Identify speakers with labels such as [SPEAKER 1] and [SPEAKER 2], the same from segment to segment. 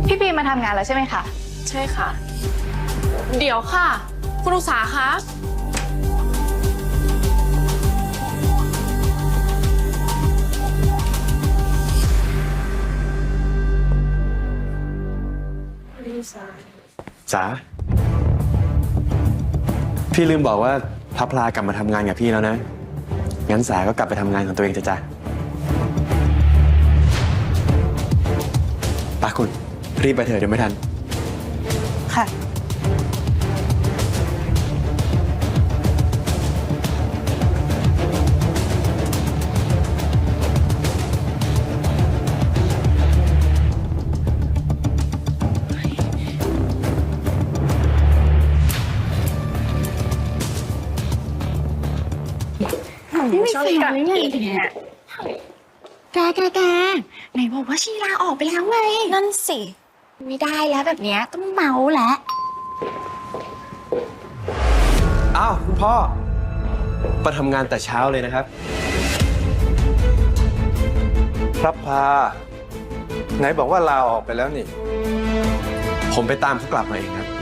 [SPEAKER 1] พี่ปีมาทำงานแล้วใช่ไหมคะ
[SPEAKER 2] ใช่ค่ะ เดี๋ยวค่ะ คุณอุษาคะ
[SPEAKER 3] จ๋าพี่ลืมบอกว่าพระพลากลับมาทำงานกับพี่แล้วนะงั้นสาก็กลับไปทำงานของตัวเองจ้ะปาคุณรีบไปเถอะเดี๋ยวไม่ทัน
[SPEAKER 1] ค่ะ
[SPEAKER 4] นี่ไม่เสียเลยไงเนี่ยแกไหนบอกว่าชีลาออกไปแล้วไงนั่นสิไม่ได้แล้วแบบเนี้ยต้องเมาแล้ว
[SPEAKER 3] อ้าวคุณพ่อมาทำงานแต่เช้าเลยนะครับ
[SPEAKER 5] พระพาไหนบอกว่าลาออกไปแล้วนี่
[SPEAKER 3] ผมไปตามเขากลับมาเองครับ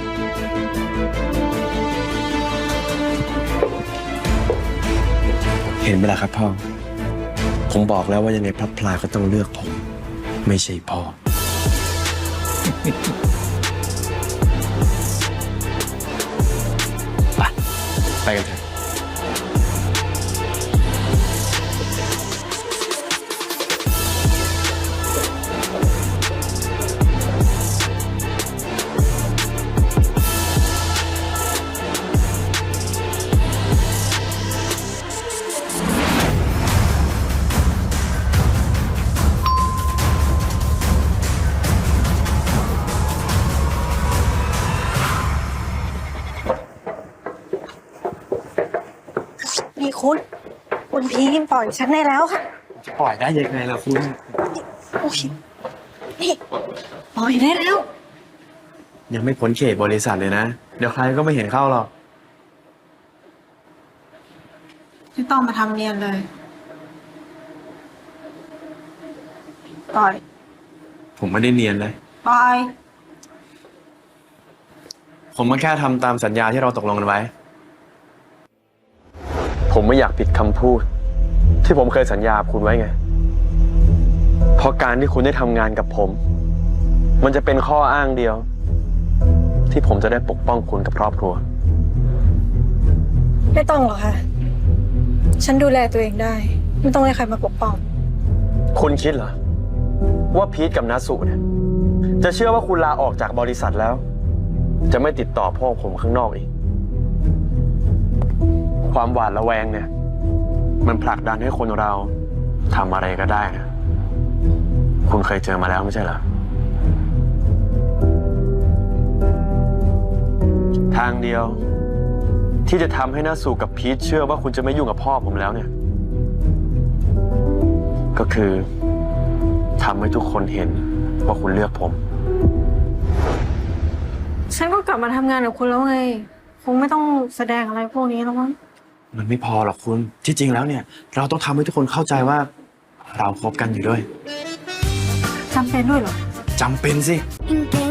[SPEAKER 3] เห็นไหมล่ะครับพ่อผมบอกแล้วว่ายังไงพระพลาก็ต้องเลือกผมไม่ใช่พ่อไปกันเถอะ
[SPEAKER 4] นี่คุณพีมปล่อยฉันได้แล้วค่ะ
[SPEAKER 3] จะปล่อยได้ยังไงล่ะคุณ
[SPEAKER 4] โอ้ยนี่ปล่อยได้แล้ว
[SPEAKER 3] ยังไม่พ้นเขตบริษัทเลยนะเดี๋ยวใครก็ไม่เห็นเข้าหรอก
[SPEAKER 4] ไม่ต้องมาทำเนียนเลยปล่อย
[SPEAKER 3] ผมไม่ได้เนียนเลย
[SPEAKER 4] ปล่อย
[SPEAKER 3] ผมก็แค่ทำตามสัญญาที่เราตกลงกันไว้ผมไม่อยากผิดคำพูดที่ผมเคยสัญญาคุณไว้ไงเพราะการที่คุณได้ทำงานกับผมมันจะเป็นข้ออ้างเดียวที่ผมจะได้ปกป้องคุณกับครอบครัว
[SPEAKER 4] ไม่ต้องหรอกค่ะฉันดูแลตัวเองได้ไม่ต้องให้ใครมาปกป้อง
[SPEAKER 3] คุณคิดเหรอว่าพีทกับนัสสุเนี่ยจะเชื่อว่าคุณลาออกจากบริษัทแล้วจะไม่ติดต่อพ่อผมข้างนอกอีกความหวาดระแวงเนี่ยมันผลักดันให้คนเราทำอะไรก็ได้นะคุณเคยเจอมาแล้วไม่ใช่เหรอทางเดียวที่จะทำให้นัสสุกับพีทเชื่อว่าคุณจะไม่ยุ่งกับพ่อผมแล้วเนี่ยก็คือทำให้ทุกคนเห็นว่าคุณเลือกผม
[SPEAKER 4] ฉันก็กลับมาทำงานกับคุณแล้วไงคงไม่ต้องแสดงอะไรพวกนี้แล้วมั้ง
[SPEAKER 3] มันไม่พอหรอกคุณที่จริงแล้วเนี่ยเราต้องทำให้ทุกคนเข้าใจว่าเราคบกันอยู่ด้วย
[SPEAKER 4] จำเป็นด้วยเหรอ
[SPEAKER 3] จำเป็นสิ